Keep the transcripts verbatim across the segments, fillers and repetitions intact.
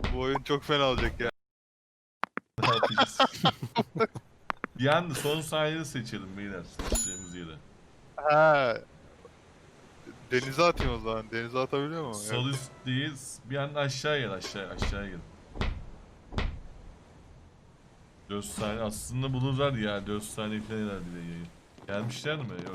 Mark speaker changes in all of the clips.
Speaker 1: Bu oyun çok fena olacak ya.
Speaker 2: Ne yapacağız? Bir anda son sahneyi seçelim beyler. Seçeceğimiz yere.
Speaker 1: Ha, denize atayım o zaman. Denize atabiliyor mu?
Speaker 2: Sol
Speaker 1: Evet.
Speaker 2: üstteyiz. Bir anda aşağı gel aşağı aşağı gel. dört saniye aslında bulurlar ya. dört saniye falan herhalde de yayın. Gelmişler mi? Yok.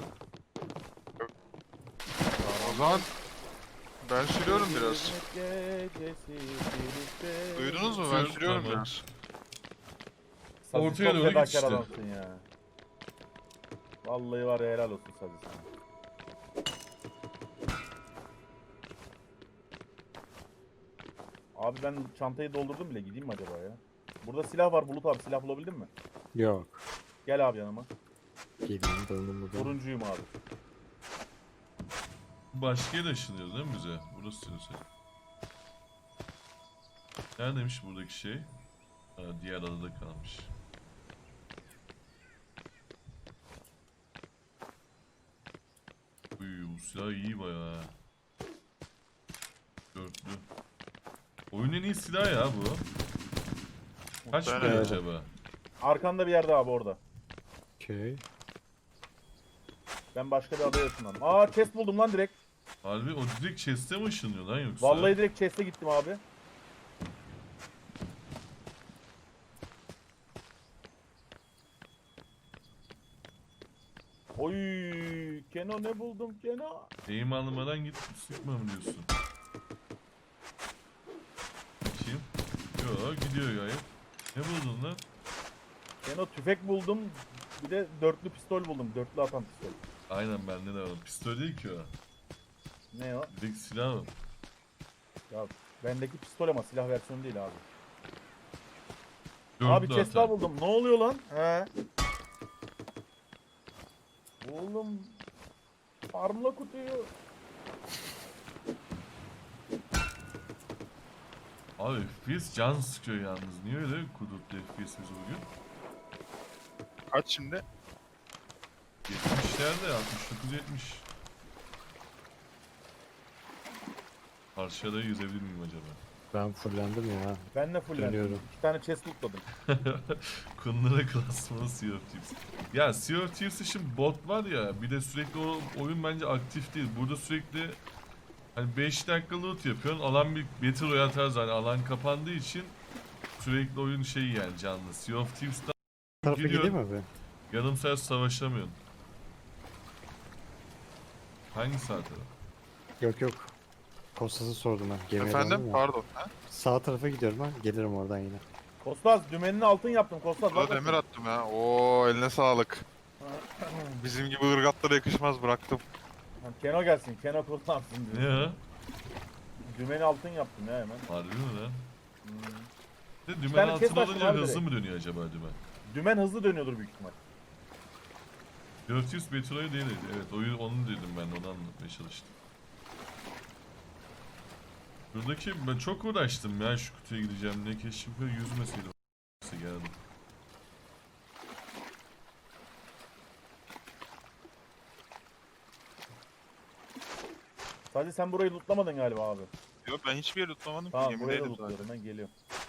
Speaker 1: O zaman ben sürüyorum biraz. Duydunuz mu? Ben
Speaker 2: Sür,
Speaker 1: sürüyorum
Speaker 2: tamam.
Speaker 1: biraz.
Speaker 3: Sazi
Speaker 2: Ortaya
Speaker 3: çok
Speaker 2: doğru git
Speaker 3: fedakar
Speaker 2: işte.
Speaker 3: adamsın ya. Vallahi var ya, helal olsun Sazi sana. Abi ben çantayı doldurdum bile, gideyim mi acaba ya? Burada silah var Bulut abi, silah bulabildin mi?
Speaker 4: Yok.
Speaker 3: Gel abi yanıma.
Speaker 4: Geleyim döndüm buradan.
Speaker 3: Turuncuyum abi.
Speaker 2: Başka yere ışınıyoruz değil mi bize? Burası diyorsun. Neredeymiş buradaki şey? Ha, diğer adada kalmış. Uy, bu silah iyi bayağı. Dörtlü. Oyunun en iyi silahı ya bu. Kaç
Speaker 1: Muhtemelen
Speaker 2: para
Speaker 4: öyle.
Speaker 2: acaba?
Speaker 3: Arkanda bir yerde abi, orada.
Speaker 4: Okey.
Speaker 3: Ben başka bir adaya ışınlandım. Aa, chest buldum lan direkt.
Speaker 2: Harbi o direkt chest'e mi ışınıyor lan yoksa?
Speaker 3: Vallahi direkt chest'e gittim abi. Oy, Keno ne buldum Keno?
Speaker 2: Eğim almadan git sıkma mı diyorsun? Bakayım. Yo gidiyor gayet. Ne buldun lan?
Speaker 3: Keno tüfek buldum. Bir de dörtlü pistol buldum. Dörtlü atan pistol.
Speaker 2: Aynen bende de var. Pistol değil ki o.
Speaker 3: Ne o?
Speaker 2: Direkt silah o.
Speaker 3: Ya bendeki pistol ama silah versiyonu değil abi.
Speaker 2: Dörtlü
Speaker 3: Abi chest daha
Speaker 2: atan.
Speaker 3: buldum. Ne oluyor lan? He. Oğlum. Farmla kutuyu.
Speaker 2: Abi F P S can sıkıyor yalnız. Niye öyle kudurttu F P S'imiz bugün?
Speaker 1: Kaç şimdi?
Speaker 2: yetmişlerde altmış dokuz yetmiş. Parçada yüzebilir miyim acaba?
Speaker 4: Ben fullendim ya.
Speaker 3: Ben de fullendim.
Speaker 4: Dönüyorum.
Speaker 3: İki tane chest lootladım.
Speaker 2: Kunlara klasmanı Sea of Thieves. Ya Sea of Thieves için bot var ya, bir de sürekli o oyun bence aktif değil. Burada sürekli hani beş dakika loot yapıyorsun, alan bir Battle Royale tarzı, hani alan kapandığı için sürekli oyun şey yani canlı. Sea of Thieves'ta
Speaker 4: Tarafa
Speaker 2: gidiyorsun,
Speaker 4: gideyim mi abi?
Speaker 2: yarım saat savaşamıyorsun. Hangi saat tarafı?
Speaker 4: Yok yok. Kostas'ı sordum ben. Gemiye
Speaker 1: Efendim?
Speaker 4: döndüm ya.
Speaker 1: Pardon. Ha?
Speaker 4: Sağ tarafa gidiyorum ben. Gelirim oradan yine.
Speaker 3: Kostas dümenini altın yaptım Kostas.
Speaker 1: Burada
Speaker 3: bak
Speaker 1: demir
Speaker 3: bakayım.
Speaker 1: attım ya. Oo, eline sağlık. Bizim gibi ırgatlara yakışmaz, bıraktım.
Speaker 3: Ha, Keno gelsin. Keno kullansın
Speaker 2: Ne
Speaker 3: diyor.
Speaker 2: ya?
Speaker 3: Dümeni altın yaptım ya hemen.
Speaker 2: Harbi mi lan?
Speaker 3: Hmm.
Speaker 2: Bir de dümen
Speaker 3: tane
Speaker 2: altına
Speaker 3: chest açtım
Speaker 2: olunca
Speaker 3: abi
Speaker 2: hızlı
Speaker 3: direkt.
Speaker 2: mı dönüyor acaba dümen?
Speaker 3: Dümen hızlı dönüyordur büyük ihtimal.
Speaker 2: dört yüz Battle Royale değil. Evet oyun onu dedim ben, onu anlatmaya çalıştım. Buradaki ben çok uğraştım ya şu kutuya gideceğim diye, keşke böyle yüzmeseydim. Neyse geldim.
Speaker 3: Sadece sen burayı lootlamadın galiba abi.
Speaker 1: Yok, ben hiçbir yeri tutamadım ki.
Speaker 3: Tamam, burayı da
Speaker 1: Gemideydim
Speaker 3: lootluyorum,
Speaker 1: zaten.
Speaker 3: ben geliyorum.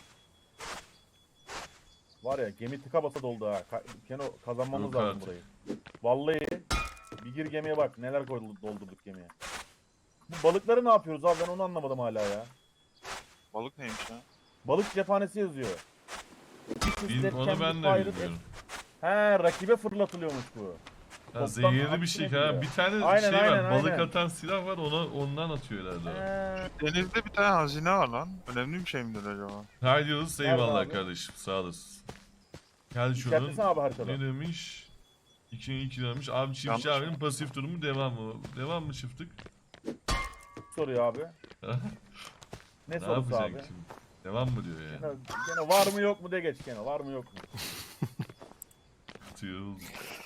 Speaker 3: Var ya, gemi tıka basa doldu ha. Ka Keno kazanmamız
Speaker 2: Yok
Speaker 3: lazım
Speaker 2: artık.
Speaker 3: burayı. Vallahi bir gir gemiye bak, neler koyduk, doldurduk gemiye. Bu balıkları ne yapıyoruz abi, ben onu anlamadım hala ya.
Speaker 1: Balık neymiş ya?
Speaker 3: Balık cephanesi yazıyor.
Speaker 2: Bil, onu ben de bilmiyorum.
Speaker 3: He, rakibe fırlatılıyormuş bu.
Speaker 2: Ya
Speaker 3: Toptan
Speaker 2: zehirli bir
Speaker 3: aksine
Speaker 2: şey
Speaker 3: gidiyor.
Speaker 2: ha. Bir tane
Speaker 3: Aynen,
Speaker 2: şey
Speaker 3: aynen,
Speaker 2: var. Balık
Speaker 3: aynen.
Speaker 2: atan silah var. Ona ondan atıyor herhalde. o.
Speaker 3: He.
Speaker 1: Denizde bir tane hazine var lan. Önemli bir şey midir acaba?
Speaker 2: Haydi Yıldız,
Speaker 3: Nerede
Speaker 2: eyvallah
Speaker 3: abi?
Speaker 2: kardeşim. Sağ olasın. Gel şuradan.
Speaker 3: İşaretlesene abi haritada.
Speaker 2: Ne demiş? iki iki demiş. Abi çiftçi
Speaker 1: Yanlış
Speaker 2: abinin
Speaker 1: mı?
Speaker 2: pasif durumu devam mı? Devam mı çiftlik?
Speaker 3: Soruyor abi. Ne
Speaker 2: Ne
Speaker 3: sorusu abi?
Speaker 2: yapacaksın şimdi? Devam mı diyor ya?
Speaker 3: Gene, gene var mı yok mu de geç gene. Var mı yok mu?
Speaker 2: Yıldız.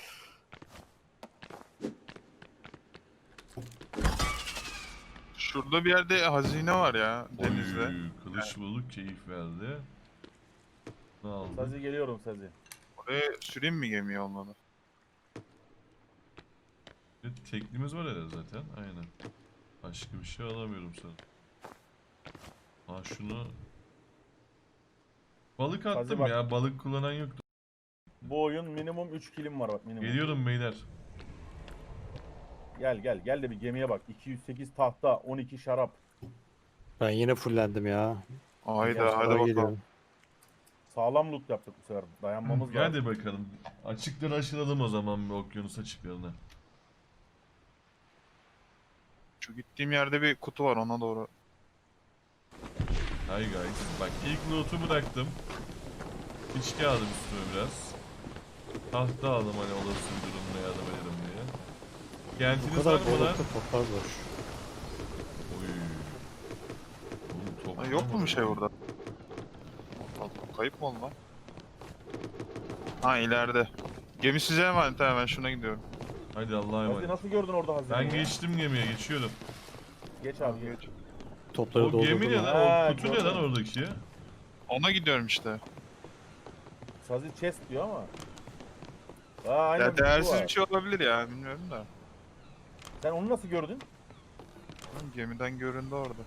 Speaker 1: Şurada bir yerde hazine var ya, denizde.
Speaker 2: Oy, kılıç bulduk, keyif verdi. Ne aldı?
Speaker 3: Sazi geliyorum Sazi.
Speaker 1: Oraya süreyim mi gemiyi olmadı?
Speaker 2: Bir teknimiz var herhalde zaten. Aynen. Başka bir şey alamıyorum sana. Ha şunu Balık
Speaker 3: Hadi
Speaker 2: attım
Speaker 3: bak.
Speaker 2: ya. Balık kullanan yoktu.
Speaker 3: Bu oyun minimum üç kilim var bak minimum.
Speaker 2: Geliyorum beyler.
Speaker 3: Gel gel gel de bir gemiye bak. iki yüz sekiz tahta, on iki şarap.
Speaker 4: Ben yine fullendim ya.
Speaker 1: Hayda
Speaker 4: Biraz
Speaker 1: haydi
Speaker 4: daha
Speaker 1: bakalım.
Speaker 4: geliyorum.
Speaker 3: Sağlam loot yaptık bu sefer. Dayanmamız lazım.
Speaker 2: Hadi bakalım. Açıkları aşılalım o zaman bir okyanus açıklarına.
Speaker 1: Şu gittiğim yerde bir kutu var ona doğru.
Speaker 2: Hi guys. Bak ilk loot'u bıraktım. İçki aldım üstüme biraz. Tahta aldım hani olası bir durumda yardım ederim diye.
Speaker 4: Bu
Speaker 2: Kentiniz
Speaker 4: kadar
Speaker 2: var mı lan?
Speaker 4: balıkta toplar boş.
Speaker 2: Oy. Oğlum top
Speaker 1: Ha, yok mu
Speaker 2: var
Speaker 1: bir şey burada? Allah, kayıp mı oldu lan? Ha ileride. Gemi size emanet ha, ben şuna gidiyorum.
Speaker 2: Hadi Allah'a
Speaker 3: Hadi
Speaker 2: emanet.
Speaker 3: nasıl gördün orada hazine?
Speaker 2: Ben geçtim gemiye geçiyorum.
Speaker 3: Geç abi geç.
Speaker 1: Geç.
Speaker 4: Topları
Speaker 2: O gemi ne
Speaker 4: doldurdum.
Speaker 2: lan?
Speaker 3: Ha,
Speaker 2: O kutu ne
Speaker 3: gördüm.
Speaker 2: lan oradaki?
Speaker 1: Ona gidiyorum işte.
Speaker 3: Sazi chest diyor ama. Aa aynen
Speaker 1: Ya
Speaker 3: bir kutu
Speaker 1: değersiz
Speaker 3: var.
Speaker 1: bir şey olabilir ya, bilmiyorum da.
Speaker 3: Sen onu nasıl gördün?
Speaker 1: Oğlum, gemiden göründü orada.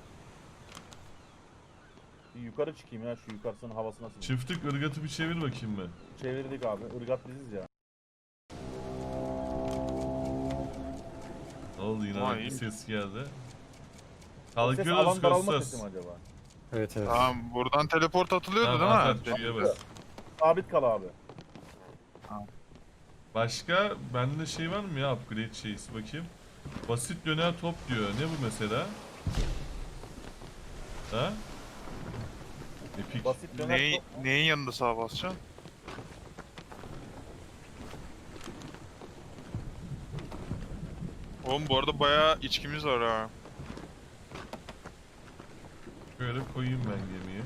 Speaker 3: Bir yukarı çıkayım ya şu yukarısının havası nasıl?
Speaker 2: Çiftlik ırgatı bir çevir bakayım mı?
Speaker 3: Çevirdik abi. Irgat biziz ya.
Speaker 2: Ne oldu yine
Speaker 1: Vay,
Speaker 2: bir
Speaker 1: iyi.
Speaker 2: ses geldi.
Speaker 3: O ses
Speaker 2: Kalkıyoruz
Speaker 3: alan daralma
Speaker 2: Kostas.
Speaker 3: sesi mi acaba?
Speaker 4: Evet evet.
Speaker 1: Tamam, buradan teleport atılıyordu
Speaker 2: Tamam, at,
Speaker 1: değil
Speaker 2: at,
Speaker 1: mi?
Speaker 2: şuraya bas.
Speaker 3: Sabit kal abi.
Speaker 2: Başka bende şey var mı ya upgrade şeysi bakayım. Basit döner top diyor. Ne bu mesela? Ha? Epic.
Speaker 3: Basit döner
Speaker 1: Neyi,
Speaker 3: top.
Speaker 1: neyin yanında sağa basacaksın? Oğlum bu arada bayağı içkimiz var ha.
Speaker 2: Böyle koyayım ben gemiyi.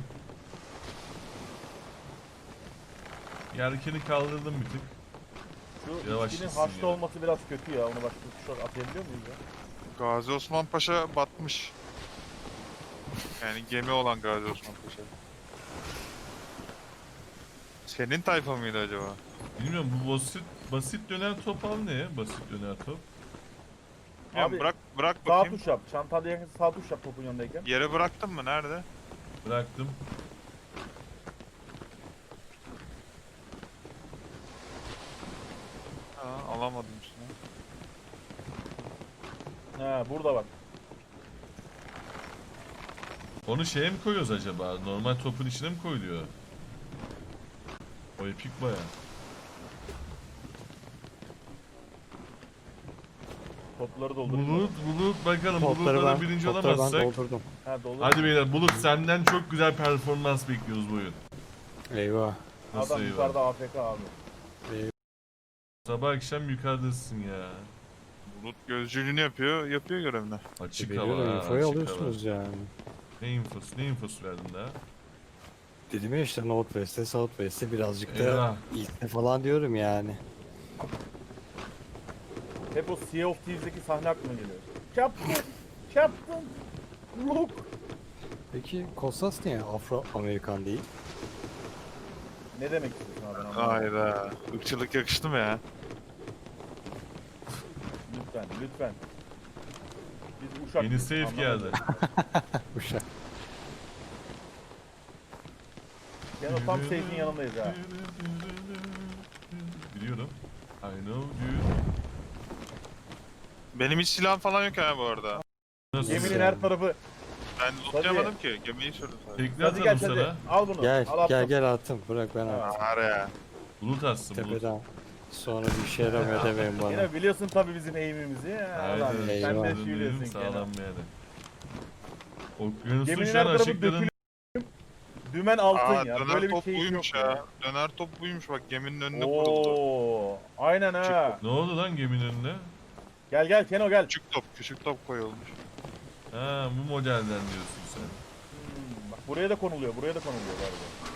Speaker 2: Yelkeni kaldırdım bir tık.
Speaker 3: Şu
Speaker 2: Yavaş
Speaker 3: içkinin
Speaker 2: gitsin
Speaker 3: haşlı
Speaker 2: ya.
Speaker 3: olması biraz kötü ya. Onu başka tuşlar atayabiliyor muyuz ya?
Speaker 1: Gazi Osman Paşa batmış. Yani gemi olan Gazi Osman Paşa. Senin tayfa mıydı acaba?
Speaker 2: Bilmiyorum bu basit basit döner top al ne? Basit döner top.
Speaker 1: Ya
Speaker 3: Abi,
Speaker 1: bırak bırak
Speaker 3: Sağ
Speaker 1: bakayım.
Speaker 3: tuş yap. Çantada yakın sağ tuş yap topun yanındayken.
Speaker 1: Yere bıraktın mı? Nerede?
Speaker 2: Bıraktım.
Speaker 1: Ha, alamadım üstüne.
Speaker 3: He burada bak.
Speaker 2: Onu şeye mi koyuyoruz acaba? Normal topun içine mi koyuluyor? O epik baya.
Speaker 3: Topları doldurayım.
Speaker 2: Bulut, bulut bakalım.
Speaker 4: Topları
Speaker 2: Bulut'ta da
Speaker 4: ben,
Speaker 2: birinci
Speaker 4: topları ben
Speaker 2: olamazsak.
Speaker 4: doldurdum.
Speaker 3: Ha doldur.
Speaker 2: Hadi beyler Bulut senden çok güzel performans bekliyoruz bu oyun.
Speaker 4: Eyvah.
Speaker 2: Nasıl
Speaker 3: Adam
Speaker 2: eyvah?
Speaker 3: yukarıda A F K abi.
Speaker 2: Sabah akşam yukarıdasın ya.
Speaker 1: Bulut gözcülüğünü yapıyor, yapıyor görevini.
Speaker 2: Açık hava
Speaker 4: Veriyorum,
Speaker 2: ha,
Speaker 4: infoyu
Speaker 2: açık
Speaker 4: alıyorsunuz yani.
Speaker 2: hava. Ne infosu, ne infosu verdin daha?
Speaker 4: Dedim ya işte Northwest'e Southwest'e birazcık da
Speaker 2: Eyvah.
Speaker 4: ilkne falan diyorum yani.
Speaker 3: Hep o Sea of Thieves'deki sahne aklıma geliyor. Captain! Captain! Look!
Speaker 4: Peki Kostas niye Afro-Amerikan değil?
Speaker 3: Ne demek istiyorsun abi ben anlamadım.
Speaker 1: Hayda. Irkçılık yakıştı mı ya?
Speaker 3: Lütfen, lütfen. Biz uşak.
Speaker 2: Yeni save geldi.
Speaker 4: Uşak.
Speaker 3: Yani o tam safe'in yanındayız ha.
Speaker 2: Biliyorum. I know you.
Speaker 1: Benim hiç silahım falan yok ha bu arada.
Speaker 2: Nasıl?
Speaker 3: Geminin
Speaker 4: yani?
Speaker 3: her tarafı.
Speaker 1: Ben lootlayamadım ki. Gemiyi sürdüm sadece.
Speaker 2: Tekne
Speaker 3: Hadi gel
Speaker 2: atalım
Speaker 3: hadi.
Speaker 2: sana.
Speaker 3: Al bunu.
Speaker 4: Gel
Speaker 3: Al
Speaker 4: gel
Speaker 3: attım.
Speaker 4: gel attım. Bırak ben attım.
Speaker 1: Var ya.
Speaker 2: Bulut atsın bulut.
Speaker 4: Tepeden. Sonra bir şey yaramıyor demeyin bana.
Speaker 3: Yine biliyorsun tabii bizim eğimimizi. Ya,
Speaker 2: Aynen.
Speaker 3: Ulan sen de
Speaker 4: eyvah.
Speaker 3: şu biliyorsun
Speaker 2: Sağlam
Speaker 3: Kenan.
Speaker 2: bir yere. Okyanusun
Speaker 3: Geminin
Speaker 2: şu
Speaker 3: her
Speaker 2: an
Speaker 3: tarafı
Speaker 2: açıkların...
Speaker 3: dökülüyor. Dümen altın
Speaker 1: Aa,
Speaker 3: ya.
Speaker 1: döner
Speaker 3: Böyle bir
Speaker 1: top
Speaker 3: şey
Speaker 1: buymuş
Speaker 3: yok
Speaker 1: ya. Döner top buymuş bak, geminin önüne kuruldu.
Speaker 3: Oo, aynen ha.
Speaker 2: Ne oldu lan geminin önüne?
Speaker 3: Gel gel Keno gel.
Speaker 1: Küçük top, küçük top koyulmuş.
Speaker 2: Ha bu modelden diyorsun sen.
Speaker 3: Hmm, bak buraya da konuluyor. Buraya da konuluyor galiba.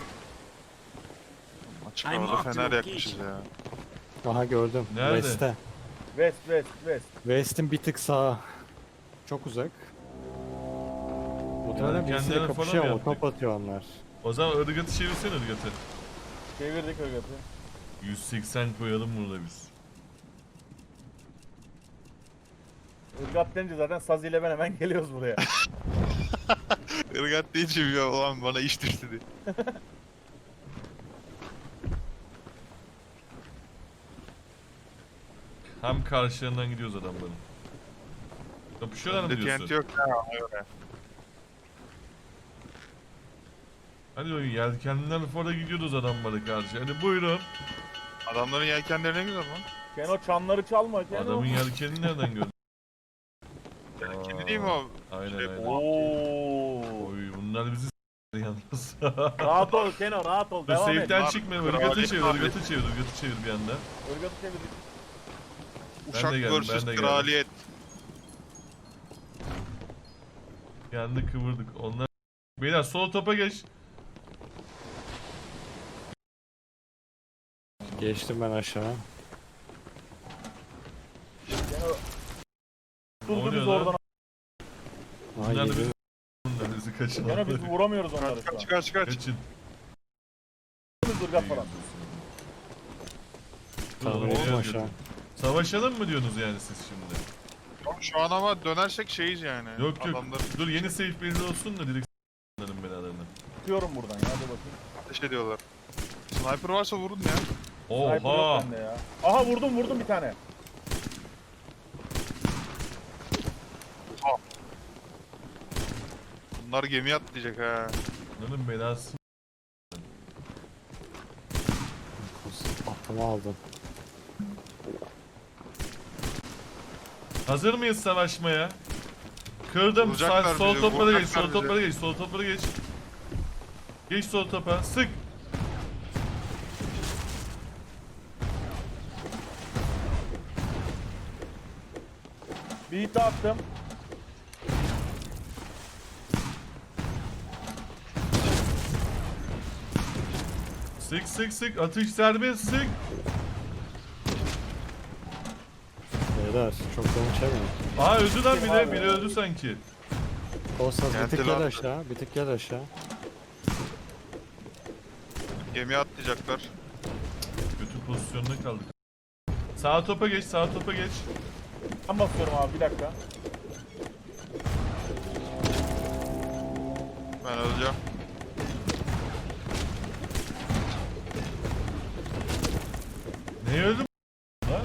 Speaker 1: Açık
Speaker 5: I'm
Speaker 1: havada
Speaker 5: marked
Speaker 1: fener
Speaker 5: to
Speaker 1: yakmışız
Speaker 5: location.
Speaker 1: ya.
Speaker 4: Aha gördüm.
Speaker 2: Nerede?
Speaker 4: West'te.
Speaker 3: West west west.
Speaker 4: West'in bir tık sağa. Çok uzak. Muhtemelen
Speaker 2: Yani
Speaker 4: birisiyle
Speaker 2: kendilerine
Speaker 4: kapışıyor
Speaker 2: falan mı
Speaker 4: ama top
Speaker 2: yaptık?
Speaker 4: atıyor onlar.
Speaker 2: O zaman ırgatı çevirsene ırgatı.
Speaker 3: Çevirdik ırgatı.
Speaker 2: yüz seksen koyalım burada biz.
Speaker 3: Irgat denince zaten Sazi ile ben hemen geliyoruz buraya.
Speaker 1: Irgat deyince bir ya, ulan bana iş düştü diye.
Speaker 2: Tam karşılarından gidiyoruz adamların. Kapışıyorlar mı
Speaker 1: Bende
Speaker 2: diyorsun?
Speaker 1: T N T yok ya. ona göre.
Speaker 2: Hadi oyun yelkenliler fora gidiyoruz adamlara karşı. Hadi buyurun.
Speaker 1: Adamların yelkenleri ne güzel lan.
Speaker 3: Keno çanları çalma Keno.
Speaker 2: Adamın yelkenini nereden gördün?
Speaker 1: Yelkenli değil mi o?
Speaker 2: Aynen
Speaker 1: Şey,
Speaker 2: aynen.
Speaker 3: Oo.
Speaker 2: Oy bunlar bizi s*** yalnız.
Speaker 3: Rahat ol Keno rahat ol.
Speaker 2: Dur
Speaker 3: Devam et.
Speaker 2: safe'den
Speaker 1: Bunlar
Speaker 2: çıkma.
Speaker 1: kraliyet
Speaker 2: Irgatı çevir,
Speaker 1: abi.
Speaker 2: ırgatı çevir, ırgatı çevir bir anda.
Speaker 3: Irgatı çevirdik.
Speaker 1: Uşak
Speaker 2: de geldim,
Speaker 1: vs
Speaker 2: ben de geldim.
Speaker 1: kraliyet.
Speaker 2: Bir anda kıvırdık. Onlar... Beyler sol topa geç.
Speaker 4: Geçtim ben aşağı.
Speaker 3: Keno.
Speaker 2: Ne
Speaker 3: Durdu
Speaker 2: oluyor
Speaker 3: biz
Speaker 2: lan?
Speaker 3: oradan.
Speaker 4: Aa,
Speaker 2: Bunlar da
Speaker 4: geliyor.
Speaker 2: bizi Bunlar bizi kaçın.
Speaker 3: Keno biz vuramıyoruz onları
Speaker 1: Kaç
Speaker 3: şu an.
Speaker 1: kaç kaç kaç.
Speaker 2: Kaçın.
Speaker 3: Biz ırgat falan.
Speaker 4: Tamam,
Speaker 2: Oğlum,
Speaker 4: ettim
Speaker 2: oraya
Speaker 4: aşağı.
Speaker 2: götür. Savaşalım mı diyorsunuz yani siz şimdi?
Speaker 1: Şu an ama dönersek şeyiz yani.
Speaker 2: Yok yok.
Speaker 1: Adamlar
Speaker 2: Dur yeni safe belli olsun da direkt s***larım belalarını.
Speaker 3: Tutuyorum buradan ya hadi bakayım.
Speaker 1: ateş ediyorlar. Sniper varsa vurun ya.
Speaker 3: Sniper yok
Speaker 2: Oha!
Speaker 3: bende ya. Aha vurdum vurdum bir tane.
Speaker 1: Bunlar gemiye atlayacak ha.
Speaker 2: Bunların belası.
Speaker 4: Aklımı aldın.
Speaker 2: Hazır mıyız savaşmaya? Kırdım.
Speaker 1: Vuracaklar
Speaker 2: Sağ, sol
Speaker 1: bizi,
Speaker 2: toplara geç,
Speaker 1: vuracaklar
Speaker 2: sol
Speaker 1: bizi.
Speaker 2: toplara geç, sol toplara geç. Geç sol topa, sık.
Speaker 3: Bir hit daha attım.
Speaker 2: Sık sık sık, atış serbest, sık.
Speaker 4: Beyler çok yolun çevirmeyin.
Speaker 2: Aa öldü lan biri,
Speaker 3: Abi.
Speaker 2: biri öldü sanki.
Speaker 4: Olsa bir
Speaker 1: Geldi
Speaker 4: tık
Speaker 1: lan.
Speaker 4: gel aşağı. Bir tık gel aşağı.
Speaker 1: Gemiye atlayacaklar.
Speaker 2: Kötü pozisyonda kaldık. Sağ topa geç, sağ topa geç.
Speaker 3: Ben basıyorum abi bir dakika.
Speaker 1: Ben öleceğim.
Speaker 2: Ne öldü lan?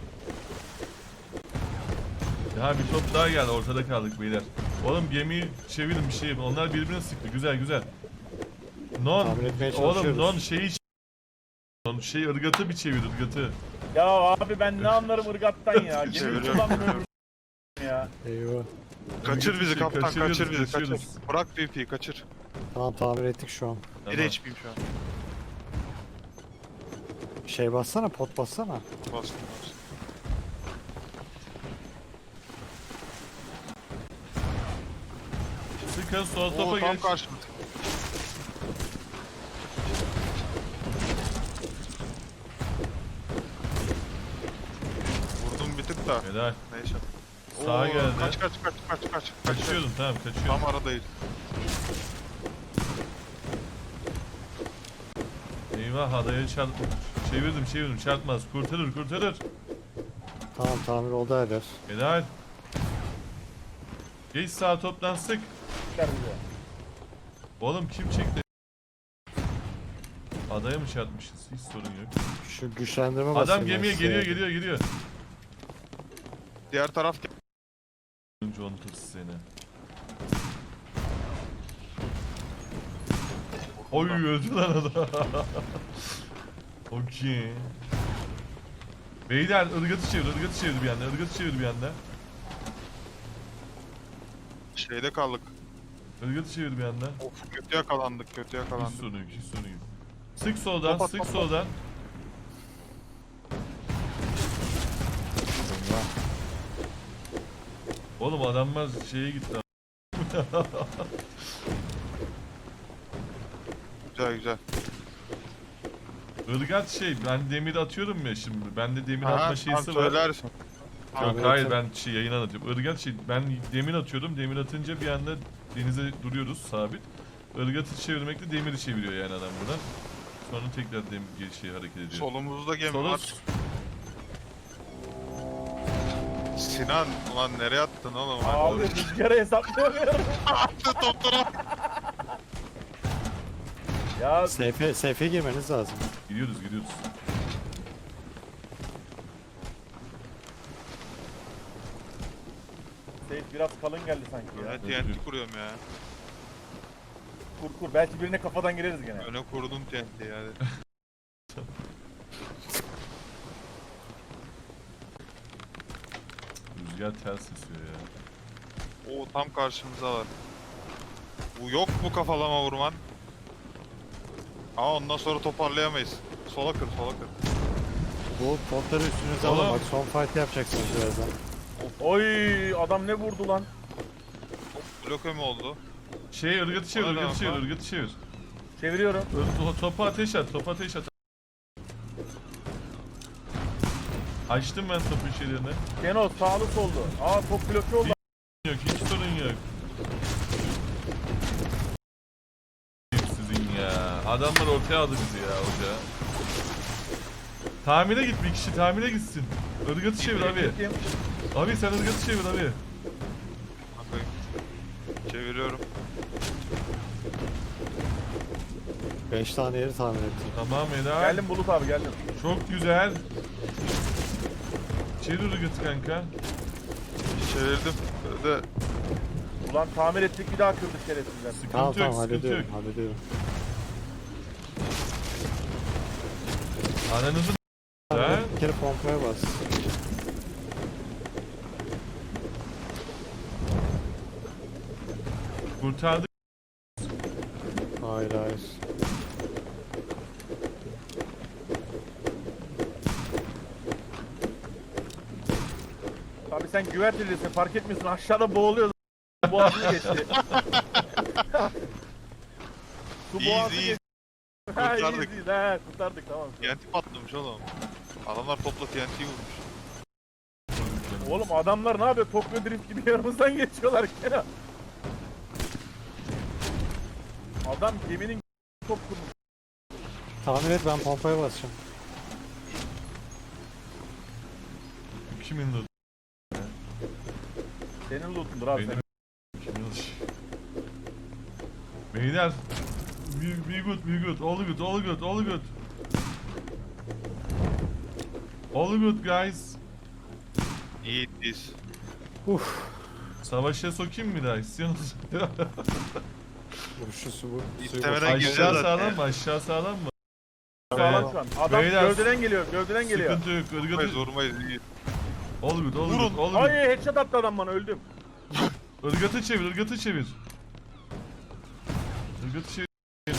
Speaker 2: Ya bir top daha geldi, ortada kaldık beyler. Oğlum gemiyi çevirin bir şey yapın. Onlar birbirine sıktı, güzel güzel. Non,
Speaker 4: Tahmin etmeye
Speaker 2: oğlum
Speaker 4: çalışıyoruz.
Speaker 2: non şeyi ç- non şey ırgatı bir çevir ırgatı.
Speaker 3: Ya abi ben ne anlarım ırgattan ya. Gemi
Speaker 1: Çeviriyorum.
Speaker 3: kullanmıyorum ya.
Speaker 4: Eyvah.
Speaker 1: Kaçır bizi
Speaker 2: Şey,
Speaker 1: kaptan,
Speaker 2: kaçırıyoruz,
Speaker 1: kaçır bizi, kaçır.
Speaker 2: kaçırıyoruz.
Speaker 1: Bırak P P'yi, kaçır.
Speaker 4: Tamam tamir ettik şu an.
Speaker 1: Bir de H P'yim şu an.
Speaker 4: Şey bassana, pot bassana.
Speaker 1: Bastım, bastım.
Speaker 2: Sıkın sol topa
Speaker 1: Oo, tam
Speaker 2: geç.
Speaker 1: karşımda. Vurdum bir tık da.
Speaker 2: Helal.
Speaker 1: Neyse.
Speaker 2: Sağa
Speaker 1: Oo,
Speaker 2: geldi.
Speaker 1: Kaç kaç kaç kaç kaç. kaç.
Speaker 2: Kaçıyordum tamam kaçıyorum.
Speaker 1: Tam aradayız.
Speaker 2: Eyvah adaya çarp... Çevirdim çevirdim çarpmaz. Kurtarır kurtarır.
Speaker 4: Tamam tamir oldu her yer.
Speaker 2: Helal. Geç sağ toptan sık.
Speaker 3: Ver bize.
Speaker 2: Oğlum kim çekti? Adaya mı çarpmışız? Hiç sorun yok.
Speaker 4: Şu güçlendirme basayım.
Speaker 2: Adam
Speaker 4: ben
Speaker 2: gemiye
Speaker 4: size.
Speaker 2: geliyor geliyor geliyor.
Speaker 1: Diğer taraf
Speaker 2: Önce unuturuz seni. Oy öldü lan adam. Okey. Beyler ırgatı çevir, ırgatı çevir bir anda, ırgatı çevir bir anda.
Speaker 1: şeyde kaldık.
Speaker 2: Irgatı çevir bir anda.
Speaker 1: Of, kötü yakalandık, kötü
Speaker 2: Hiç
Speaker 1: yakalandık.
Speaker 2: sorun yok, hiç sorun yok. Sık soldan,
Speaker 1: Topa,
Speaker 2: sık
Speaker 1: topa.
Speaker 2: soldan. Oğlum adamlar şeye gitti.
Speaker 1: Güzel güzel.
Speaker 2: Irgat şey, ben demir atıyorum ya şimdi. Bende demir atma
Speaker 1: Aha,
Speaker 2: şeysi
Speaker 1: tamam,
Speaker 2: var.
Speaker 1: söylersin.
Speaker 2: Yok
Speaker 4: Tamam,
Speaker 2: hayır
Speaker 4: evet.
Speaker 2: ben şey yayın anlatıyorum. Irgat şey ben demir atıyordum. Demir atınca bir anda denize duruyoruz sabit. Irgatı çevirmekle demiri çeviriyor yani adam buradan. Sonra tekrar demir şey hareket ediyor.
Speaker 1: Solumuzda gemi
Speaker 2: Sola
Speaker 1: var. Sinan, ulan nereye attın oğlum?
Speaker 3: Abi rüzgarı hesaplayamıyorum.
Speaker 1: Attı toplara.
Speaker 3: Ya
Speaker 4: Seyfe, seyfe girmeniz lazım.
Speaker 2: gidiyoruz gidiyoruz.
Speaker 3: biraz kalın geldi sanki ya.
Speaker 1: Ben T N T kuruyorum ya.
Speaker 3: Kur kur. Belki birine kafadan gireriz gene.
Speaker 1: Öne kurdum T N T'yi hadi.
Speaker 2: Rüzgar ters esiyor ya.
Speaker 1: Oo tam karşımıza var. Bu yok mu kafalama vurman? Ama ondan sonra toparlayamayız. Sola kır, sola kır.
Speaker 4: Bu potları üstünüze
Speaker 2: Oğlum.
Speaker 4: alın bak son fight yapacaksınız birazdan.
Speaker 3: Oy adam ne vurdu lan?
Speaker 1: Bloke mi oldu?
Speaker 2: Şey ırgatı çevir,
Speaker 1: Ona ne
Speaker 2: ırgatı çevir,
Speaker 1: yapar?
Speaker 2: ırgatı çevir.
Speaker 3: Çeviriyorum.
Speaker 2: Ö- to- Topa ateş at, topa ateş at. Açtım ben topun şeylerini.
Speaker 3: Keno sağlı soldu. Aa top bloke oldu.
Speaker 2: Yok, hiç sorun yok. Sizin ya. Adamlar ortaya aldı bizi ya hoca. Tamire git bir kişi, tamire gitsin. Irgatı çevir abi.
Speaker 3: Gittim.
Speaker 2: Abi sen ırgatı çevir abi.
Speaker 1: Bakayım. Çeviriyorum.
Speaker 4: beş tane yeri tamir ettim.
Speaker 2: Tamam helal.
Speaker 3: Geldim Bulut abi geldim.
Speaker 2: Çok güzel. Çevir ırgatı kanka.
Speaker 1: Çevirdim. Böyle
Speaker 3: Ulan tamir ettik bir daha kırdık şerefsizler.
Speaker 2: Sıkıntı
Speaker 4: Tamam
Speaker 2: yok,
Speaker 4: tamam
Speaker 2: sıkıntı yok.
Speaker 4: hallediyorum hallediyorum.
Speaker 2: Ananızı
Speaker 4: Abi,
Speaker 2: ha?
Speaker 4: bir kere pompaya bas.
Speaker 2: Kurtardık.
Speaker 4: Hayır hayır.
Speaker 3: Abi sen güvertelisin fark etmiyorsun aşağıda boğuluyoruz. Boğazını geçti. Su
Speaker 1: Easy,
Speaker 3: boğazı
Speaker 1: easy.
Speaker 3: geçti. Ha,
Speaker 1: Kurtardık.
Speaker 3: iyiyiz, ha, kurtardık tamam.
Speaker 1: T N T patlamış oğlum. Adamlar topla T N T'yi vurmuş.
Speaker 3: Oğlum adamlar ne yapıyor? Tokyo Drift gibi yanımızdan geçiyorlar Kenan. Adam geminin top kurmuş.
Speaker 4: Tamir et ben pompaya basacağım.
Speaker 2: Kimin loot?
Speaker 3: Senin lootundur abi.
Speaker 2: Benim.
Speaker 3: Senin.
Speaker 2: Kimin loot? Beyler. Be, be good, be good. All good, all good, all good. All good guys.
Speaker 1: İyi biz.
Speaker 4: Uf.
Speaker 2: Savaşa sokayım mı daha istiyorsunuz?
Speaker 4: Şu su bu. suyu
Speaker 1: İstemeden
Speaker 4: boş-
Speaker 1: gireceğiz
Speaker 2: Aşağı
Speaker 1: zaten.
Speaker 2: sağlam mı? Aşağı sağlam mı?
Speaker 3: Sağlam şu an. Adam
Speaker 2: Beyler.
Speaker 3: gövdeden geliyor, gövdeden geliyor.
Speaker 2: Sıkıntı yok.
Speaker 1: Vurmayız,
Speaker 2: Irgatı.
Speaker 1: vurmayız. İyi.
Speaker 2: All good, all
Speaker 1: Vurun.
Speaker 2: good, all good.
Speaker 3: Ay headshot attı adam bana öldüm.
Speaker 2: Irgatı çevir, ırgatı çevir. Irgatı çevir.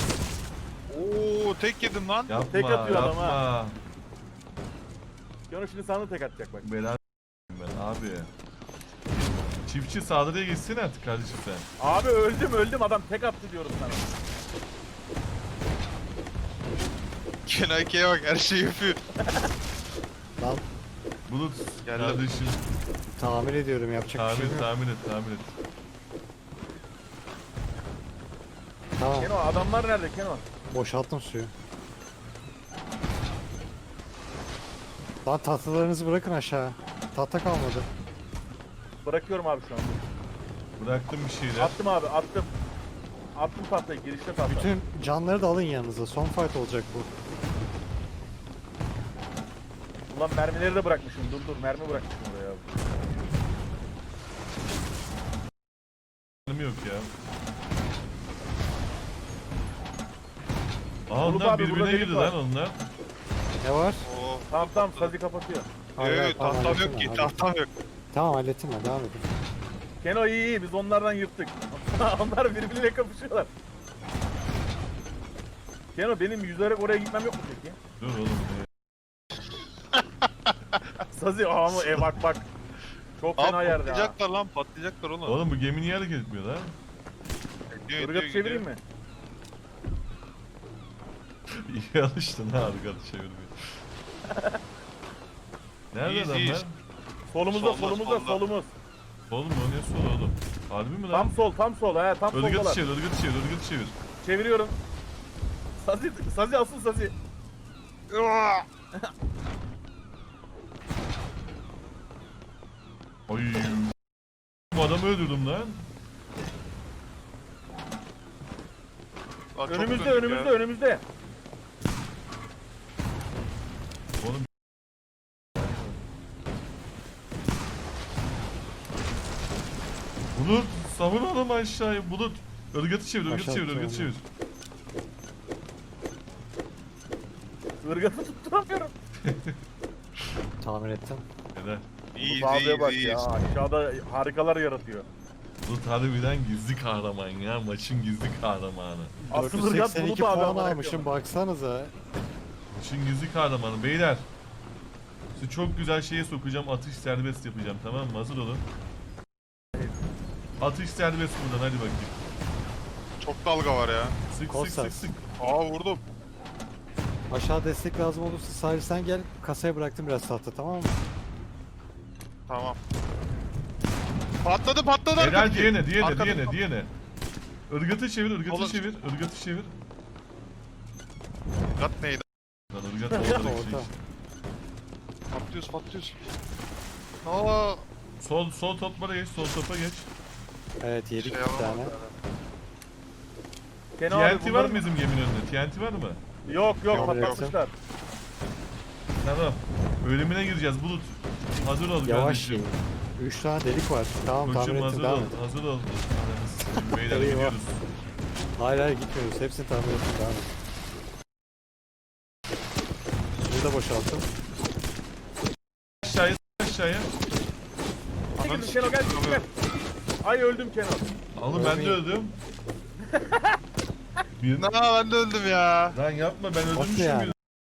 Speaker 1: Oo tek yedim lan.
Speaker 2: Yapma,
Speaker 3: Tek atıyor adam
Speaker 2: yapma.
Speaker 3: Kenan şimdi sana tek atacak bak.
Speaker 2: Bela ben abi. Çiftçi saldırıya geçsin artık kardeşim sen.
Speaker 3: Abi öldüm öldüm adam tek attı diyorum sana.
Speaker 1: Kenake'ye bak her şeyi yapıyor.
Speaker 4: Lan
Speaker 2: Bulut
Speaker 1: Geldim.
Speaker 2: kardeşim.
Speaker 4: tamir ediyorum yapacak bir şey
Speaker 2: Tahmin,
Speaker 4: yok.
Speaker 2: tahmin et, tahmin et.
Speaker 4: Tamam
Speaker 3: Kenan adamlar nerede Kenan?
Speaker 4: boşalttım suyu. Lan tahtalarınızı bırakın aşağı. Tahta kalmadı.
Speaker 3: Bırakıyorum abi şu an.
Speaker 2: Bıraktım bir şeyler.
Speaker 3: Attım abi attım. Attım tahtayı girişte tahta.
Speaker 4: Bütün canları da alın yanınıza. Son fight olacak bu.
Speaker 3: Ulan mermileri de bırakmışım dur dur mermi bırakmışım oraya abi.
Speaker 2: Benim yok ya. Aa
Speaker 3: Bulut
Speaker 2: onlar
Speaker 3: abi, burada
Speaker 2: birbirine
Speaker 3: delik
Speaker 2: girdi
Speaker 3: var.
Speaker 2: lan onlar.
Speaker 4: Ne var?
Speaker 1: Oo.
Speaker 3: Tamam tamam Sazi kapatıyor.
Speaker 4: Hayır, hayır,
Speaker 1: Evet
Speaker 4: tamam,
Speaker 1: tahtam
Speaker 4: hallettim
Speaker 1: yok ki
Speaker 4: ben,
Speaker 1: tahtam yok.
Speaker 4: Tamam hallettim ben devam edin.
Speaker 3: Keno iyi iyi biz onlardan yırttık. Onlar birbiriyle kapışıyorlar. Keno benim yüzerek oraya gitmem yok mu peki?
Speaker 2: Dur oğlum.
Speaker 3: Sazi aa mı e bak bak. Çok
Speaker 1: Aa
Speaker 3: fena yerde ha.
Speaker 1: patlayacaklar lan patlayacaklar oğlum.
Speaker 2: Oğlum bu gemi niye hareket etmiyor lan?
Speaker 1: Gidiyor,
Speaker 3: Irgat
Speaker 1: gidiyor,
Speaker 3: çevireyim
Speaker 1: gidiyor.
Speaker 3: mi?
Speaker 2: İyi alıştın ha ırgatı çevirmeye. Nerede
Speaker 1: İyiyiz,
Speaker 2: adamlar?
Speaker 1: iyiyiz.
Speaker 3: Solumuzda
Speaker 1: Solda,
Speaker 3: solumuzda
Speaker 1: solda.
Speaker 3: solumuz.
Speaker 2: Oğlum o ne sol oğlum? Harbi mi lan?
Speaker 3: Tam sol tam sol he tam
Speaker 2: Irgatı
Speaker 3: soldalar.
Speaker 2: çevir, ırgatı çevir, ırgatı çevir.
Speaker 3: Çeviriyorum. Sazi Sazi asıl Sazi.
Speaker 1: Uaa!
Speaker 2: Ay. Bu adamı öldürdüm lan.
Speaker 1: Lan çok
Speaker 3: Önümüzde
Speaker 1: döndük
Speaker 3: önümüzde
Speaker 1: ya.
Speaker 3: önümüzde.
Speaker 2: Oğlum Bulut savur oğlum aşağıya. Bulut. Irgatı çevir, ırgatı
Speaker 4: Aşağı
Speaker 2: çevir, ırgatı
Speaker 4: atacağım
Speaker 2: çevir.
Speaker 3: Irgatı tutturamıyorum.
Speaker 4: Tamir ettim.
Speaker 2: Helal.
Speaker 1: İyi,
Speaker 3: Bu abiye bak
Speaker 1: iyi,
Speaker 3: ya.
Speaker 1: iyi.
Speaker 3: Aşağıda harikalar yaratıyor.
Speaker 2: Bulut harbiden gizli kahraman ya. Maçın gizli kahramanı.
Speaker 3: Asıl ırgat
Speaker 4: dört yüz seksen iki
Speaker 3: Bulut abi.
Speaker 4: puan
Speaker 3: amına
Speaker 4: almışım
Speaker 3: koyayım.
Speaker 4: baksanıza.
Speaker 2: Maçın gizli kahramanı. Beyler. Sizi çok güzel şeye sokacağım. Atış serbest yapacağım, tamam mı? Hazır olun. Atış serbest buradan, hadi bakayım.
Speaker 1: Çok dalga var ya.
Speaker 2: Sık sık
Speaker 4: Kostas.
Speaker 2: sık sık.
Speaker 1: Aa vurdum.
Speaker 4: Aşağı destek lazım olursa Salih sen gel. Kasaya bıraktım biraz tahta, tamam mı?
Speaker 1: Tamam. Patladı patladı.
Speaker 2: Helal
Speaker 1: arkadaki.
Speaker 2: diyene, diyene,
Speaker 1: Arkadaki
Speaker 2: diyene,
Speaker 1: pat-
Speaker 2: diyene. Irgatı çevir, ırgatı
Speaker 1: Olur.
Speaker 2: çevir, ırgatı çevir.
Speaker 1: Gat neydi?
Speaker 2: Lan ırgat orada şey.
Speaker 4: Orta.
Speaker 1: Patlıyoruz patlıyoruz. Aa.
Speaker 2: Sol, sol toplara geç, sol topa geç.
Speaker 4: Evet yedik
Speaker 1: Şey
Speaker 4: bir
Speaker 1: yapamam
Speaker 4: tane.
Speaker 3: Kenan
Speaker 2: T
Speaker 3: abi
Speaker 2: N T var
Speaker 3: bunların-
Speaker 2: mı bizim geminin önünde? T N T var mı?
Speaker 3: Yok yok
Speaker 1: Yok,
Speaker 3: patlatmışlar.
Speaker 2: Tamam. Ölümüne gireceğiz Bulut. Hazır ol
Speaker 4: Yavaş
Speaker 2: kardeşim.
Speaker 4: yiyin. Üç tane delik var. Tamam tamir
Speaker 2: Koçum
Speaker 4: ettim,
Speaker 2: hazır
Speaker 4: devam
Speaker 2: ol,
Speaker 4: et.
Speaker 2: hazır ol. Ananı sikeyim, Beyler
Speaker 4: Eyvah.
Speaker 2: gidiyoruz.
Speaker 4: Hayır hayır gitmiyoruz. Hepsini tamir ettim, devam et. Burada boşalttım.
Speaker 2: Aşağıya, aşağıya.
Speaker 3: Çekil Kenan gel gel. Ay öldüm Kenan.
Speaker 2: Oğlum ben de öldüm. Bir...
Speaker 1: Aa ben de öldüm ya.
Speaker 2: Lan yapma, ben
Speaker 4: Nasıl
Speaker 2: öldürmüşüm
Speaker 4: yani?
Speaker 2: bir.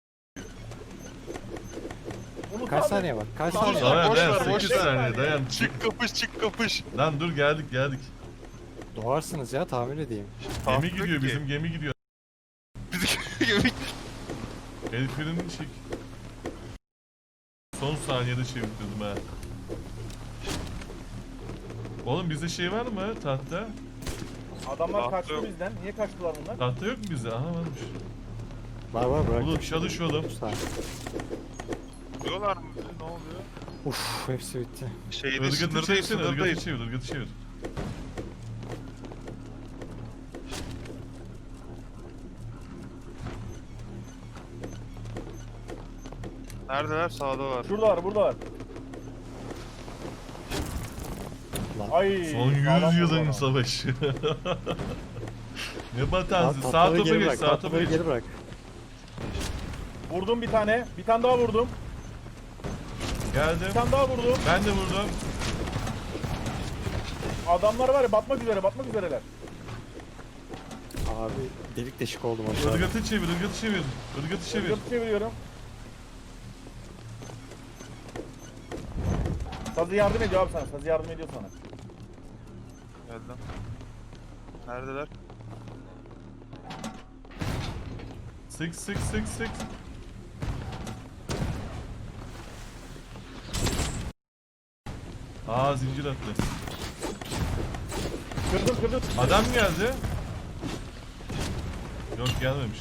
Speaker 3: Bulut
Speaker 4: Kaç
Speaker 3: abi.
Speaker 4: saniye var? Kaç
Speaker 3: Tamam,
Speaker 4: saniye var?
Speaker 2: Dayan
Speaker 1: boş
Speaker 2: dayan,
Speaker 1: ver, boş
Speaker 2: sekiz
Speaker 1: ver.
Speaker 2: saniye dayan.
Speaker 1: Çık kapış çık kapış.
Speaker 2: Lan dur, geldik geldik.
Speaker 4: Doğarsınız ya, tamir edeyim.
Speaker 2: Gemi
Speaker 1: Kalktık
Speaker 2: gidiyor,
Speaker 1: ki.
Speaker 2: bizim gemi gidiyor.
Speaker 1: Bizim
Speaker 2: El frenini çek. Son saniyede çevirdim ha. Oğlum bizde şey var mı tahta?
Speaker 3: Adamlar
Speaker 1: Tahta
Speaker 3: kaçtı
Speaker 1: yok.
Speaker 3: bizden. Niye kaçtılar bunlar?
Speaker 2: Tahta yok mu bizde? Aha varmış.
Speaker 4: Var var bıraktım.
Speaker 2: Bulut çalış oğlum.
Speaker 4: üç saniye.
Speaker 1: Diyorlar mı? Ne oluyor?
Speaker 4: Uf hepsi bitti.
Speaker 1: Şeyde
Speaker 2: Irgatı
Speaker 1: sınırdayız
Speaker 2: çevirsene, ırgatı
Speaker 1: sınırdayız.
Speaker 2: çevir, ırgatı çevir.
Speaker 1: Neredeler? Sağdalar.
Speaker 3: Şuradalar buradalar.
Speaker 4: Lan.
Speaker 3: Ay.
Speaker 2: Son
Speaker 3: sağlam
Speaker 2: yüz yılın
Speaker 3: vurdu
Speaker 2: savaşı. Ne
Speaker 4: Lan
Speaker 2: batansı? Sağ
Speaker 4: tahtaları
Speaker 2: topa
Speaker 4: geri
Speaker 2: geç,
Speaker 4: bırak.
Speaker 2: sağ topa
Speaker 4: Tahtaları
Speaker 2: geç.
Speaker 4: geri bırak.
Speaker 3: adam. Vurdum bir tane. Bir tane daha vurdum.
Speaker 2: Geldim.
Speaker 3: Bir tane daha vurdum.
Speaker 2: Ben de vurdum.
Speaker 3: Adamlar var ya batmak üzere batmak üzereler.
Speaker 4: Abi delik deşik oldum aşağıda.
Speaker 2: Irgatı çevir, ırgatı çevir. Irgatı çevir.
Speaker 3: Irgatı çeviriyorum. Sazı yardım ediyor abi sana. Sazı yardım ediyor sana.
Speaker 1: Geldim. Neredeler?
Speaker 2: Sık sık sık sık. Aa, zincir attı.
Speaker 3: Kırdım kırdım.
Speaker 2: Adam geldi. Yok, gelmemiş.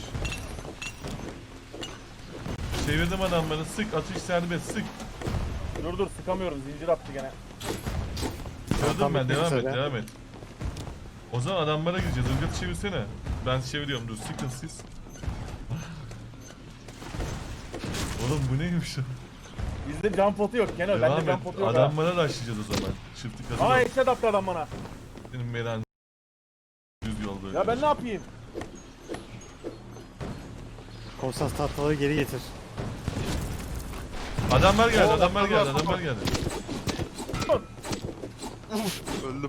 Speaker 2: Çevirdim adamları, sık, atış serbest, sık.
Speaker 3: Dur dur sıkamıyorum. Zincir attı gene.
Speaker 2: Gördüm
Speaker 4: Tam
Speaker 2: ben,
Speaker 4: bitmek
Speaker 2: devam et,
Speaker 4: üzere.
Speaker 2: devam et. O zaman adamlara gideceğiz, ırgatı çevirsene. Ben çeviriyorum, dur, sıkın siz. Oğlum bu neymiş o?
Speaker 3: Bizde jump potu yok Kenan.
Speaker 2: Devam
Speaker 3: Bende
Speaker 2: et,
Speaker 3: jump potu yok ha.
Speaker 2: adamlara rushlayacağız o zaman. Çiftlik hazır
Speaker 3: Aa
Speaker 2: ol.
Speaker 3: eşe attı adam bana.
Speaker 2: Benim meran düz yolda.
Speaker 3: Ya ben ne yapayım?
Speaker 4: Konsans tahtaları geri getir.
Speaker 2: Adamlar geldi,
Speaker 1: Oo,
Speaker 2: adamlar geldi,
Speaker 1: adamlar-
Speaker 2: adamlar geldi.
Speaker 1: Öldüm.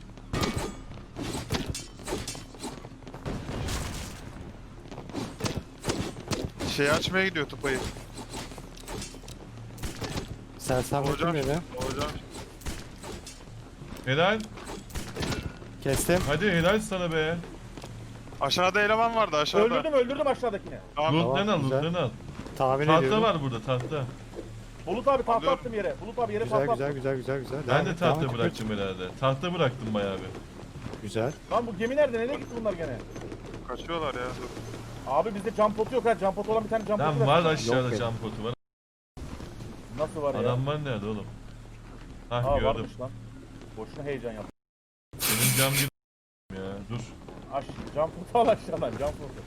Speaker 1: Şey açmaya gidiyor tupayı.
Speaker 4: Sersemlettim
Speaker 1: Hocam.
Speaker 4: beni.
Speaker 1: Hocam.
Speaker 2: Helal.
Speaker 4: Kestim.
Speaker 2: Hadi helal sana be.
Speaker 1: Aşağıda eleman vardı aşağıda.
Speaker 3: Öldürdüm öldürdüm aşağıdakini.
Speaker 1: Tamam.
Speaker 2: Loot'tan al,
Speaker 4: güzel.
Speaker 2: loot'tan al.
Speaker 4: Tahmin
Speaker 2: Tahta
Speaker 4: ediyorum.
Speaker 2: var burada, tahta.
Speaker 3: Bulut abi tahta
Speaker 1: Alıyorum.
Speaker 3: attım yere. Bulut abi yere
Speaker 4: Güzel
Speaker 3: tahta
Speaker 4: güzel
Speaker 3: attım.
Speaker 4: güzel güzel güzel.
Speaker 2: Ben
Speaker 4: Devam
Speaker 2: de
Speaker 4: et, devam
Speaker 2: tahta
Speaker 4: et.
Speaker 2: bıraktım herhalde. Tahta bıraktım bayağı bir.
Speaker 4: Güzel.
Speaker 3: Lan bu gemi nerede? Nereye gitti bunlar gene?
Speaker 1: Kaçıyorlar ya. Dur.
Speaker 3: Abi bizde jump potu yok ha. Jump potu olan bir tane jump potu
Speaker 2: Lan var
Speaker 3: ver.
Speaker 2: aşağıda
Speaker 4: benim.
Speaker 2: cam potu var.
Speaker 3: Nasıl var ya?
Speaker 2: Adamlar nerede oğlum? Hah,
Speaker 3: Aa
Speaker 2: gördüm.
Speaker 3: varmış lan. Boşuna heyecan yaptım.
Speaker 2: Senin cam bir ya, dur.
Speaker 3: Aş, jump potu al aşağıdan jump potu.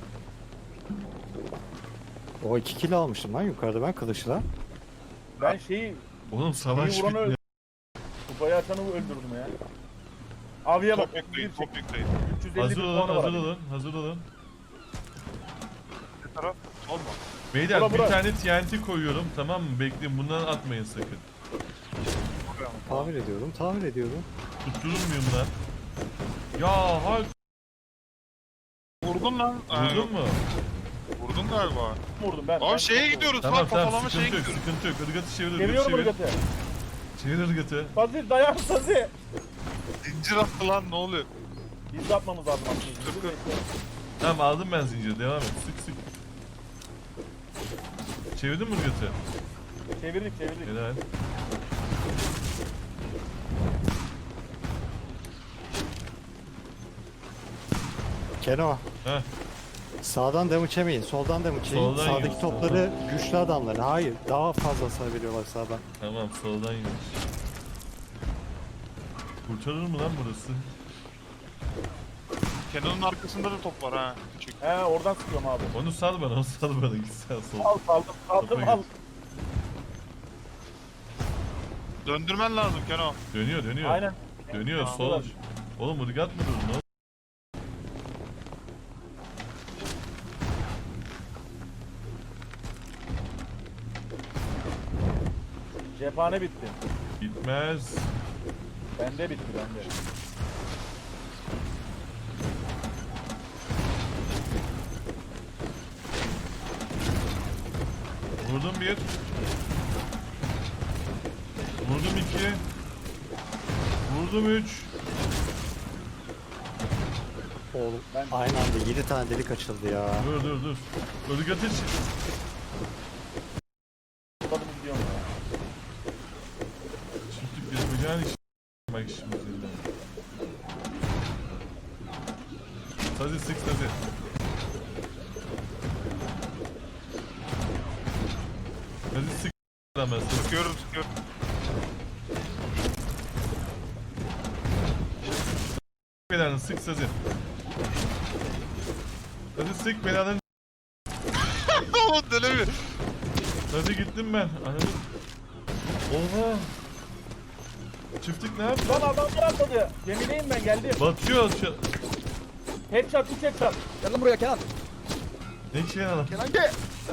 Speaker 4: O iki kilo almıştım lan yukarıda ben kılıçla.
Speaker 3: Ben şeyi
Speaker 2: Oğlum savaş
Speaker 3: İyi vuranı
Speaker 2: bitmiyor.
Speaker 3: kupayı açanı öldürdüm ya. Aviye bak.
Speaker 1: Top yükleyin,
Speaker 3: otuz bir
Speaker 1: top yükleyin.
Speaker 3: üç yüz elli
Speaker 2: Hazır
Speaker 3: bir
Speaker 2: olun,
Speaker 3: puanı var.
Speaker 2: hazır
Speaker 3: abi.
Speaker 2: olun, hazır olun.
Speaker 1: Bir taraf, sol mu?
Speaker 2: Beyler
Speaker 3: Bura,
Speaker 2: bir
Speaker 3: bura.
Speaker 2: tane T N T koyuyorum, tamam mı? Bekleyin, bundan atmayın sakın.
Speaker 1: Buraya mı?
Speaker 4: Tamir ediyorum, tamir ediyorum.
Speaker 2: Tutturur muyum lan? Ya hay
Speaker 1: Vurdun lan. Ha,
Speaker 2: vurdun
Speaker 1: yok,
Speaker 2: mu?
Speaker 1: Vurdun galiba.
Speaker 3: Vurdum ben.
Speaker 1: Abi
Speaker 3: ben
Speaker 1: şeye
Speaker 3: çok
Speaker 1: gidiyoruz
Speaker 2: Tamam
Speaker 1: lan,
Speaker 2: tamam,
Speaker 1: kafalama şeye
Speaker 2: sıkıntı yok,
Speaker 1: gidiyoruz.
Speaker 2: sıkıntı yok. Irgatı çevir,
Speaker 3: vurdum.
Speaker 2: ırgatı
Speaker 3: Geliyorum
Speaker 2: çevir.
Speaker 3: ırgatı.
Speaker 2: Çevir ırgatı.
Speaker 3: Sazi dayan Sazi.
Speaker 1: Zincir attı lan, ne oluyor?
Speaker 3: Biz de atmamız lazım aslında.
Speaker 1: Dur, dur.
Speaker 2: Tamam aldım ben zinciri, devam et. Sık sık. Çevirdin mi ırgatı?
Speaker 3: Çevirdik çevirdik.
Speaker 2: Helal.
Speaker 4: Keno,
Speaker 2: Heh,
Speaker 4: sağdan damage yemeyin, soldan damage yiyin.
Speaker 2: Soldan
Speaker 4: Sağdaki
Speaker 2: yiyin.
Speaker 4: topları güçlü adamlar. Hayır, daha fazla hasar veriyorlar sağdan.
Speaker 2: tamam soldan yemiş. Kurtarır mı lan burası?
Speaker 1: Kenan'ın arkasında da top var ha. Küçük.
Speaker 3: He oradan sıkıyorum abi.
Speaker 2: Onu sal bana, onu sal bana. Git sen sol.
Speaker 3: Al aldım aldım
Speaker 2: Topa
Speaker 3: al.
Speaker 2: git.
Speaker 1: Döndürmen lazım Kenan.
Speaker 2: Dönüyor, dönüyor.
Speaker 3: Aynen.
Speaker 2: Dönüyor,
Speaker 1: Tamam.
Speaker 2: sol. Oğlum ırgat mı durun lan?
Speaker 3: Cephane bitti.
Speaker 2: Bitmez.
Speaker 3: Bende bitti bende.
Speaker 2: Vurdum bir. Vurdum iki. Vurdum üç.
Speaker 4: Oğlum,
Speaker 3: Ben-
Speaker 4: aynı anda yedi tane delik açıldı ya.
Speaker 2: Dur dur dur. Irgatı ç-
Speaker 3: Atladım gidiyorum ya.
Speaker 2: Çiftlik yapacağın iş. Bak şimdi seninle. Hadi sık hadi. Hadi sık. Hemen sık.
Speaker 1: Sıkıyorum sıkıyorum.
Speaker 2: Belanı sık sazı. Hadi sık belanı.
Speaker 1: Oğlum dönemiyor.
Speaker 2: Hadi gittim ben. Anladım. Oha. Çiftlik ne yaptı?
Speaker 3: Lan adamlar atladı. Gemideyim ben geldim.
Speaker 2: Batıyor. Şu...
Speaker 3: Headshot üç headshot.
Speaker 4: Gel lan buraya Kenan.
Speaker 2: Ne şey adam?
Speaker 3: Kenan gel.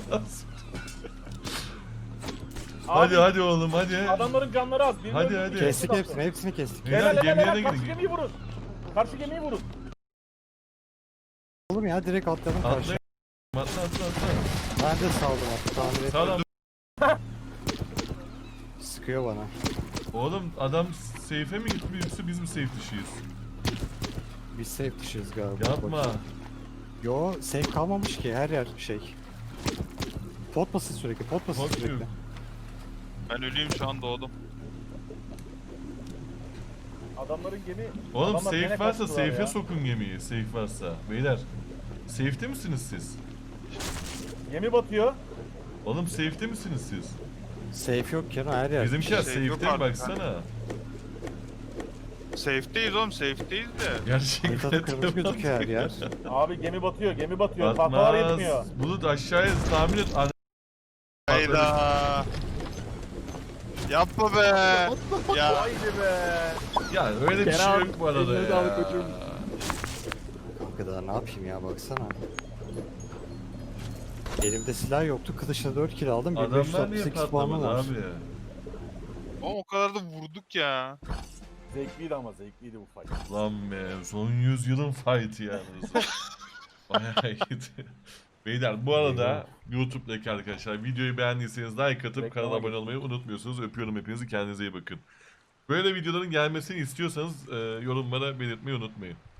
Speaker 2: Hadi
Speaker 3: Abi,
Speaker 2: hadi oğlum hadi.
Speaker 3: Adamların canları az. Birini
Speaker 2: Hadi,
Speaker 3: öldürdük,
Speaker 2: hadi.
Speaker 3: birini
Speaker 4: Kestik
Speaker 3: attı.
Speaker 4: hepsini, hepsini kestik.
Speaker 2: Beyler,
Speaker 3: Helal helal
Speaker 2: gemiye
Speaker 3: helal.
Speaker 2: de
Speaker 3: Karşı
Speaker 2: gidin.
Speaker 3: gemiyi vurun. Karşı gemiyi vurun.
Speaker 4: Oğlum ya direkt atladım karşı.
Speaker 2: Atla. Atla atla atla.
Speaker 4: Ben de saldım hatta, tamir
Speaker 2: Sağ
Speaker 4: ettim.
Speaker 2: ol.
Speaker 4: Sıkıyor bana.
Speaker 2: Oğlum adam safe'e mi gitti yoksa biz mi safe dışıyız?
Speaker 4: Biz safe dışıyız galiba.
Speaker 2: Yapma.
Speaker 4: Bakayım. Yo, safe kalmamış ki, her yer şey. Pot basın sürekli, pot basın
Speaker 2: Pot
Speaker 4: sürekli.
Speaker 2: yok.
Speaker 1: Ben öleyim şu an doğdum.
Speaker 3: Adamların gemi...
Speaker 2: Oğlum
Speaker 3: Adamlar gene
Speaker 2: safe varsa
Speaker 3: kaçtılar
Speaker 2: safe'e
Speaker 3: ya.
Speaker 2: sokun gemiyi. Safe varsa. Beyler. Safe'te misiniz siz?
Speaker 3: Gemi batıyor.
Speaker 2: Oğlum safe'te misiniz siz?
Speaker 4: Safe yok Kenan, her yer.
Speaker 2: Bizimkiler
Speaker 1: Safe yok
Speaker 2: safe'te mi
Speaker 1: artık
Speaker 2: baksana.
Speaker 1: Safe'deyiz oğlum, safe'deyiz de.
Speaker 2: Gerçekten.
Speaker 4: Haritada kırmızı gözüküyor her yer.
Speaker 3: Abi gemi batıyor, gemi batıyor. Tahtalar yetmiyor.
Speaker 2: Batmaz. Bulut aşağıya tahmin et. Ana-
Speaker 1: Hayda. Yapma be. Ya
Speaker 3: Haydi be.
Speaker 2: Ya öyle bir şey
Speaker 4: Kenan,
Speaker 2: yok bu arada
Speaker 4: eline sağlık
Speaker 2: ya.
Speaker 4: koçum. Kanka daha ne yapayım ya, baksana. Elimde silah yoktu, kılıçla dört kill aldım.
Speaker 2: Adamlar niye
Speaker 4: bin beş yüz altmış sekiz puanım
Speaker 2: patlamadı
Speaker 4: var.
Speaker 2: abi?
Speaker 1: oğlum o kadar da vurduk ya.
Speaker 3: Zevkliydi ama zevkliydi bu fight.
Speaker 2: Lan be son yüzyılın fight'ı yani. Bayağı iyiydi. Beyler bu arada YouTube'daki arkadaşlar videoyu beğendiyseniz like atıp
Speaker 3: Reklam
Speaker 2: kanala abone
Speaker 3: git.
Speaker 2: olmayı unutmuyorsunuz. Öpüyorum hepinizi, kendinize iyi bakın. Böyle videoların gelmesini istiyorsanız e, yorumlara belirtmeyi unutmayın.